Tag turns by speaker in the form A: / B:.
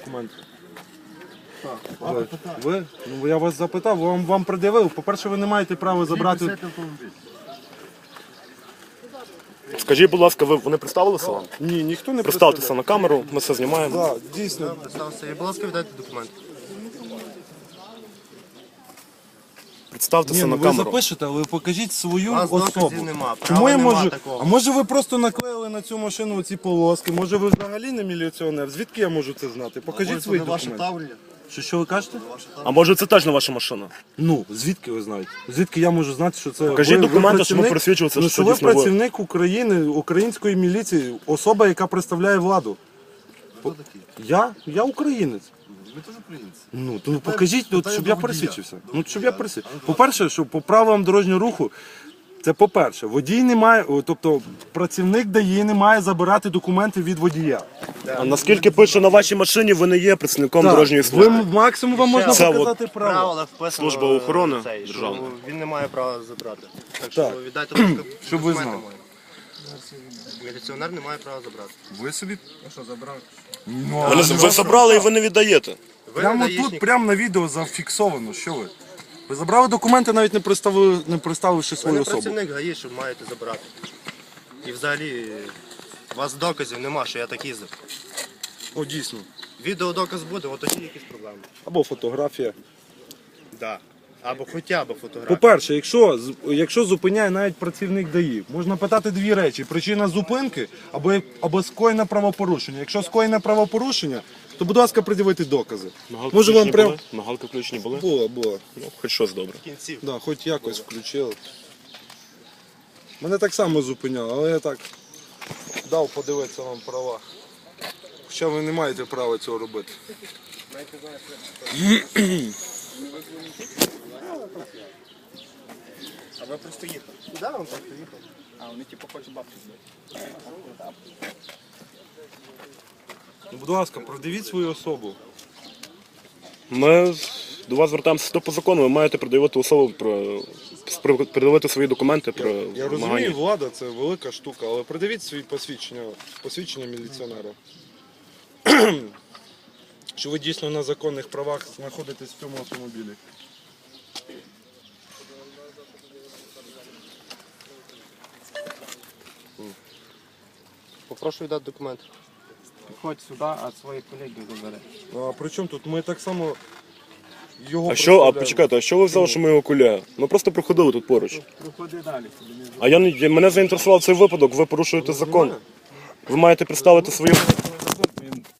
A: документи. Ви? Ну, я вас запитав, вам пред'явив. По-перше, ви не маєте права забрати...
B: Скажіть, будь ласка, вони представилися вам?
A: Ні, ніхто не
B: Представтеся на камеру, ми все знімаємо.
A: Так, дійсно.
C: Представся. І, будь ласка, віддайте документи.
B: Представтеся
A: Ні,
B: на
A: ну ви
B: камеру.
A: запишете, але покажіть свою
C: Вас
A: особу.
C: доказів нема,
A: Чому
C: права
A: я
C: нема
A: можу?
C: такого.
A: А може ви просто наклеїли на цю машину ці полоски? Може ви взагалі не міліціонер? Звідки я можу це знати? Покажіть свої
C: Це ваше
A: документи.
C: тавлення.
A: Що ви кажете?
B: А може це теж не ваша машина?
A: Ну, звідки ви знаєте? Звідки я можу знати, що це...
B: Покажіть
A: ви
B: документи, щоб
A: працівник-
B: просвідчуватися,
A: ну,
B: що
A: ви
B: дійсно ви.
A: працівник України, української міліції, особа, яка представляє владу.
C: Хто такий?
A: Я українець.
C: Ви теж українці.
A: Ну, то покажіть, от,
C: питаю
A: щоб
C: до
A: я
C: водія.
A: пересвідчився. Ну, щоб я пересвідчився. По-перше, що по правилам дорожнього руху, це по-перше, водій не має, тобто працівник ДАІ не має забирати документи від водія.
B: А наскільки пише на вашій машині, ви не є працівником дорожньої
A: ви
B: служби.
A: максимум вам можна
B: Це
A: показати право.
C: Правила вписано.
B: Служба охорони
C: цей, що
B: державна.
C: Він не має права забрати. Так
A: Так.
C: що віддайте, будь ласка,
A: Щоб ви
C: документи
A: знали.
C: мої. Міліціонер не має права забрати.
A: Ви собі...
C: Ну що, забрав?
B: Ви забрали і ви не віддаєте.
C: Ви
A: Прямо
C: даїшник.
A: тут, прямо на відео зафіксовано, що ви? Ви забрали документи, навіть не представивши
C: Ви
A: свою
C: не
A: особу.
C: працівник ГАІ, що маєте забрати. І взагалі, у вас доказів нема, що я так їздив.
A: О, дійсно.
C: Відеодоказ буде, от тоді якісь проблеми.
A: Або фотографія.
C: Да. Або хоча б фотографія.
A: По-перше, якщо зупиняє навіть працівник ДАІ, можна питати дві речі: причина зупинки або скоєне правопорушення. Якщо скоєне правопорушення, то, будь ласка, пред'явити докази. Може вам прям...
B: Мигалки включені були?
A: Було.
B: Ну, хоч щось добре.
C: Кінців.
A: Да, хоч якось включили. Мене так само зупиняло, але я так дав подивитися вам права. Хоча ви не маєте права цього робити.
C: А ви просто їхали? Да, він просто їхав. А вони типу хочуть бабки збити.
A: Ну, будь ласка, продивіть свою особу.
B: Ми до вас звертаємося то по закону, ви маєте пред'явити особу пред'явити свої документи про
A: Я розумію,
B: вимагання.
A: влада це велика штука, але придивіть свої посвідчення міліціонера. Що ви дійсно на законних правах знаходитесь в цьому автомобілі.
C: Попрошу віддати документ.
D: Підходь сюди, а своїх колегів забери.
A: А при чому тут? Ми так само його
B: А почекайте, а що ви взяли, що ми його куляємо? Ми просто проходили тут поруч.
D: Проходи далі собі.
B: А мене заінтересував цей випадок, ви порушуєте закон. Ви маєте представити свою